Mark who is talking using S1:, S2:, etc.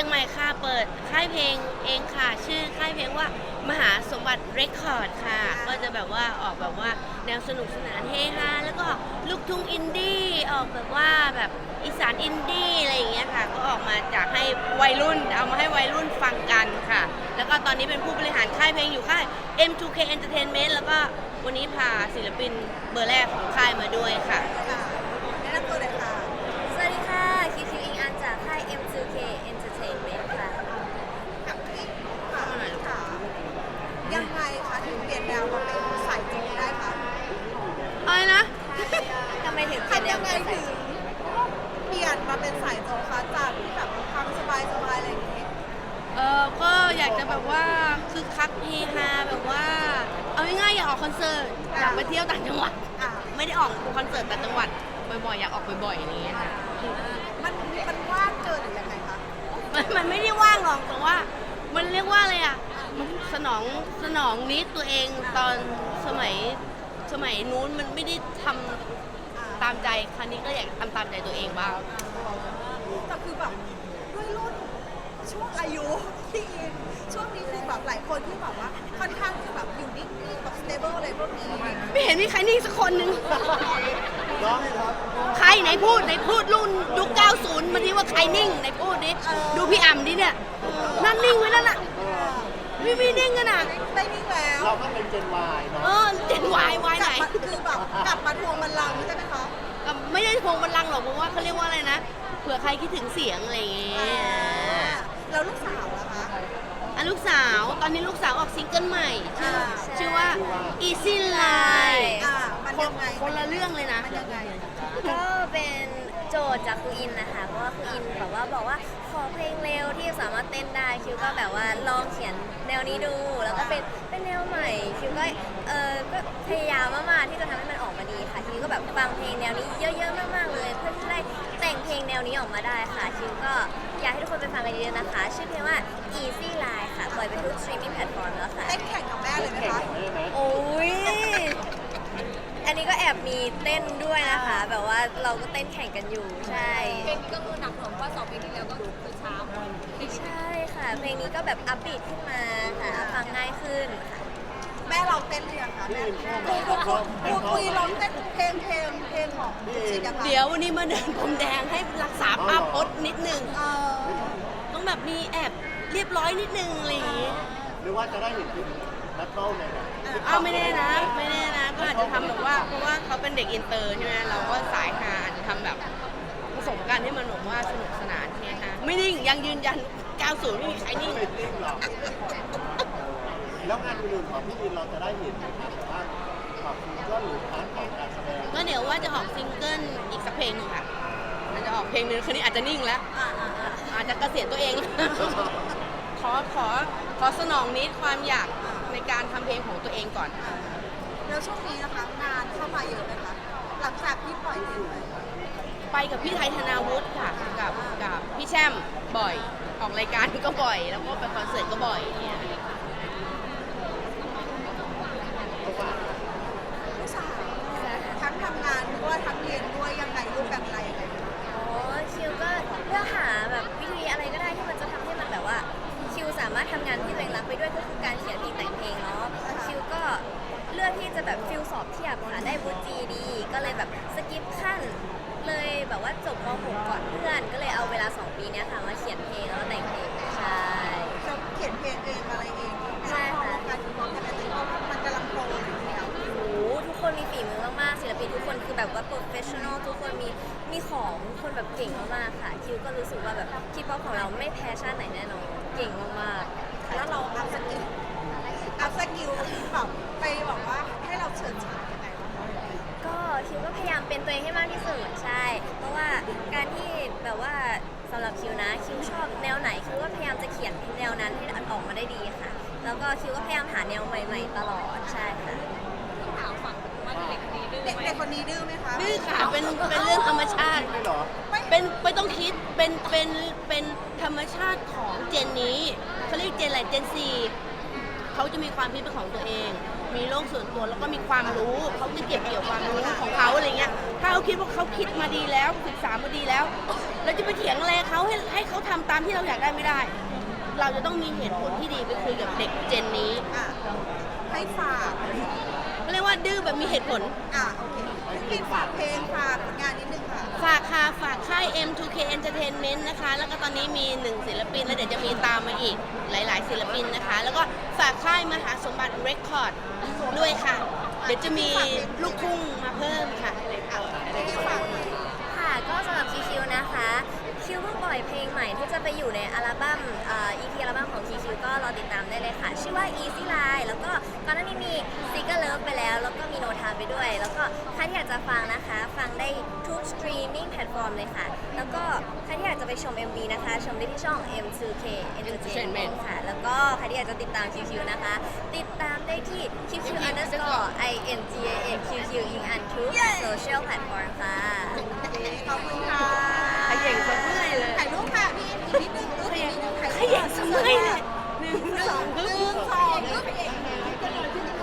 S1: ยงใหม่ค่ะเปิดค่ายเพลงเองค่ะชื่อค่ายเพลงว่ามหาสมบัติเรคคอร์ดค่ะก็จะแบบว่าออกแบบว่าแนวสนุกสนานเฮฮาแล้วก็ลูกทุ่งอินดี้ออกแบบว่าแบบอีสานอินดี้อะไรอย่างเงี้ยค่ะก็ออกมาจากให้วัยรุ่นเอามาให้วัยรุ่นฟังกันค่ะแล้วก็ตอนนี้เป็นผู้บริหารค่ายเพลงอยู่ค่าย M2K Entertainment แล้วก็วันนี้พาศิลปินเบอร์แรกของค่ายมาด้วยค่ะ
S2: แนะนำตัวเลยค่ะ
S3: สวัสดีค่ะคิวคิวอิงอันจากค่าย M2K Entertainment ค่ะ
S2: กับที่ค่ะยังไงคะถึงเปลี่ยนแนวมาเป็นสายจริงได้คะ
S1: อะไรนะ
S3: ทำไมถึงเป็น
S2: ทำ
S3: แน
S2: ยั
S3: ว
S2: งไง
S3: นี้
S2: ถึงเปลี่ยนมาเป็นสายโจคะจากที่แบบทำสบายๆอะไรอย่างนี้
S1: ก็อยากจะแบบว่าคือคักเฮฮาแบบว่าเอาง่ายๆอยากออกคอนเสิร์ตอยากไปเที่ยวต่างจังหวัด
S2: อ่ะ
S1: ไม่ได้ออกคอนเสิร์ตต่างจังหวัดบ่อยๆอยากออกบ่อยๆอย่างเงี้ยค่ะ
S2: มันว่างเกินหรือยังไงคะ
S1: มันไม่ได้ว่างหรอกแต่ว่ามันเรียกว่าอะไรอ่ะมันสนองนิดตัวเองตอนสมัยนู้นมันไม่ได้ทำตามใจครั้งนี้ก็อยากทำตามใจตัวเองบ้าง
S2: แต่คือแบบด้วยรุ่นช่วงอายุที่อินช่วงนี้คือแบบหลายคนที่แบบว่าค่อนข้างจะแบบอยู่นิ่งๆแบบ stable อะไรพวกนี้
S1: ไม่เห็นมีใครนิ่งสักคนนึงใครไหนพูดรุ่นยุค90มาดิว่าใครนิ่งไหนพูดดิดูพี่อ่ำดิเนี่ยนั่นนิ่งไว้นั่นน่ะไม่นิ่งกันน่ะ
S2: ได้นิ่งแล้ว
S4: เราก็เป็นเจน Y เนาะ
S1: เจนวายวาย
S2: ก
S1: ไหน
S2: ลับมาคือแบบกลับมาทวงบัลลังก์ใช่ไหมคะ
S1: ไม่ได้พวงบัลลังก์หรอกเพราะว่าเขาเรียกว่าอะไรนะเผื่อใครคิดถึงเสียงอะไรอย่างเงี้ย
S2: แล้วลูกสาวล่ะคะ
S1: ลูกสาวตอนนี้ลูกสาวออกซิงเกิลใหม่ชื่อว่า Easy
S3: ใช่
S1: Line
S2: มันยังไง
S1: คนละเรื่องเลยนะ
S2: มันยังไง
S3: ก็เป็นโจทย์จากครูอินนะคะเพราะว่าครูอินแบบว่าบอกว่าขอเพลงเร็วที่สามารถเต้นได้คิวก็แบบว่าลองเขียนแนวนี้ดูแล้วก็เป็นแนวใหม่คิวก็ก็พยายามมากๆที่จะทำให้มันออกมาดีค่ะคิวก็แบบฟังเพลงแนวนี้เยอะๆมากๆเลยเพื่อที่จะได้แต่งเพลงแนวนี้ออกมาได้ค่ะคิวก็อยากให้ทุกคนไปฟังกันเยอะๆนะคะชื่อเพลงว่า Easy Line ค่ะปล่อยไปทุก streaming platform แล้วค่ะ
S2: เต้นแข่งกับแม่เลยไหมคะ
S3: โอ้ย อันนี้ก็แอบมีเต้นด้วยนะคะ แบบว่าเราก็เต้นแข่งกันอยู่ ใช่
S5: เพลงนี้ก็คือหนักหน่วงเพราะว่า2เพลงที่แล้วก็คือช้าหมด
S3: ใช่ค่ะ เพลงนี้ก็แบบอัพบีทขึ้นมาค่ะ ฟังง่ายขึ้นค่ะ
S2: แม่ลองเต้นหรือยังคะแม่คุยลองเต้นเพลงของชินยังไง
S1: เดี๋ยววันนี้มาเดินพรมแดงให้รักษาภาพพจน์นิดนึง ต้องแบบมีแอบเรียบร้อยนิดนึงอะไรอย่างงี้
S4: หรือว่าจะได้เห็นคุณแบทเทิลในแบบ
S1: ไม่แน่นะก็อาจจะทำแบบว่าเพราะว่าเขาเป็นเด็กอินเตอร์ใช่ไหมเราก็สายฮาอาจจะทำแบบผสมกันให้มันแบบว่าสนุกสนานเนี่ยฮะไม่นิ่งยังยืนยัน 90 ไม่มีใครนิ่ง
S4: ไม่นิ่งหรอกแล้วงานอื่นๆของพี่อินเราจะได้เห็นไหมครับแต่ว่าขอบคุณก็หรือพาร์ทของการแสดง
S1: ก็เดี๋ยวว่าจะออกซิงเกิลอีกสักเพลงหนึงค่ะมันจะออกเพลงนึงคืนนี้อาจจะนิ่งแล้ว อาจจะเกษียณตัวเอง ขอสนองนิดความอยากในการทำเพลงของตัวเองก่อน
S2: แล้วช่วงนี้นะคะงานเข้ามาเยอะไหมคะหลังจากที่ปล่อยเพลงไป
S1: ไปกับพี่ไทยธนาวุฒิค่ะกับพี่แช่มบ่อย ออกรายการก็บ่อย แล้วก็ไปคอนเสิร์ตก็บ่อยเนี่ย
S2: ลูกสาวทั้งทำงานด้วยทั้งเรียนด้วยยังไงรูปแบบอะไรยังไง
S3: อ๋อคิวก็เลือกหาแบบวิธีอะไรก็ได้ที่มันจะทำให้มันแบบว่าคิวสามารถทำงานที่ตัวเองรักไปด้วยก็คือการเขียนเพลงแต่งเพลงเนาะคิวก็เลือกที่จะแบบฟิลสอบเทียบค่ะได้วุฒิ GD ก็เลยแบบสกิปขั้นเลยแบบว่าจบม .6 ก่อนเพื่อนก็เลยเอาเวลา 2 ปีเนี้ยค่ะมาเขียนเพลงแล้วก็แต่งเพลงใช่
S2: จะเขียนเพลงเองอะไรเอง
S3: ใช่ค่ะ
S2: การที่เขาทำอะไรเพราะว่ามันกำลังโตอยู่แล้ว
S3: โอ้โหทุกคนมีฝีมือมากๆศิลปินทุกคนคือแบบว่า professional ทุกคนมีของทุกคนแบบเก่งมากๆค่ะคิวก็รู้สึกว่าแบบคีป๊อปของเราไม่แพ้ชาติไหนแน่นอนเก่งมากๆ
S2: แล้วเราอัพสกิลแบบไปบอกว่าให้เราเฉิดฉายยังไงวะ
S3: ก็คิวก็พยายามเป็นตัวเองให้มากที่สุดใช่ เพราะว่าการที่แบบว่าสำหรับคิวนะคิวชอบแนวไหนคิวก็พยายามจะเขียนแนวนั้นให้ออกมาได้ดีค่ะ แล้วก็คิวก็พยายามหาแนวใหม่ ๆ ตลอดใช่ค่ะ
S5: ถามฝั่งว่าเด็กคนนี้ดื้อ
S2: เด็ก
S5: ไหม
S2: เด็กคนนี้ดื้อไหมคะ
S1: นี่ค่ะเป็นเรื่องธรรมชาติ
S4: ไม่หรอ
S1: เป็นไม่ต้องคิดเป็นธรรมชาติของเจนนี้เขาเรียกเจนอะไรเจนซีเขาจะมีความคิดเป็นของตัวเอง มีโลกส่วนตัวแล้วก็มีความรู้เขาจะเก็บเกี่ยวความรู้ของเขาอะไรเงี้ยถ้าเขาคิดว่าเขาคิดมาดีแล้วศึกษามาดีแล้วเราจะไปถียงอะไรเขาให้เขาทำตามที่เราอยากได้ไม่ได้ เราจะต้องมีเหตุผลที่ดีไปคุยกับเด็กเจนนี้
S2: อ่ะให้ฝาก
S1: ก็เรียกว่าดื้อแบบมีเหตุผล
S2: โอเคพี่ฝากเพลงฝากผลงานนิดนึงค่ะ
S1: ฝากค่ะฝากค่าย M2K Entertainment นะคะ แล้วก็ตอนนี้มี1ศิลปินแล้วเดี๋ยวจะมีตามมาอีกหลาย ๆ ศิลปินนะคะ แล้วก็ฝากค่ายมหาสมบัติเรคคอร์ดด้วยค่ะ เดี๋ยวจะมีลูกทุ่งมาเพิ่มค่ะ
S2: พี่ฝาก
S3: ค่ะก็สำหรับคิวนะคะคิวเพิ่งปล่อยเพลงใหม่ที่จะไปอยู่ในอัลบั้มEP อัลบั้มของคิวก็รอติดตามได้เลยค่ะ ชื่อว่า Easy Line แล้วก็ก่อนหน้านี้มี Sticker Love ไปแล้วก็มี No Time ไปด้วย แล้วก็ใครที่อยากจะฟังนะคะ ฟังได้ทุกสตรีมมิ่งแพลตฟอร์มเลยค่ะ แล้วก็ใครที่อยากจะไปชม MV นะคะ ชมได้ที่ช่อง M2K Entertainment ค่ะ แล้วก็ใครที่อยากจะติดตามคิวนะคะ ติดตามได้ที่ QQ_INGAXQQ อิงอันทุกโซเชียลแพลตฟอร์มค่ะ
S2: ขอบคุณค่ะ
S1: ขย่งสะเมื่อยเลย
S2: ถ่ายรูปค่ะพี่อีกนิดนึงรูปอีกนิดนึงถ่าย
S1: ข
S2: รูป
S1: ย่งสะเมื่อยเลย
S2: 1 2 1 2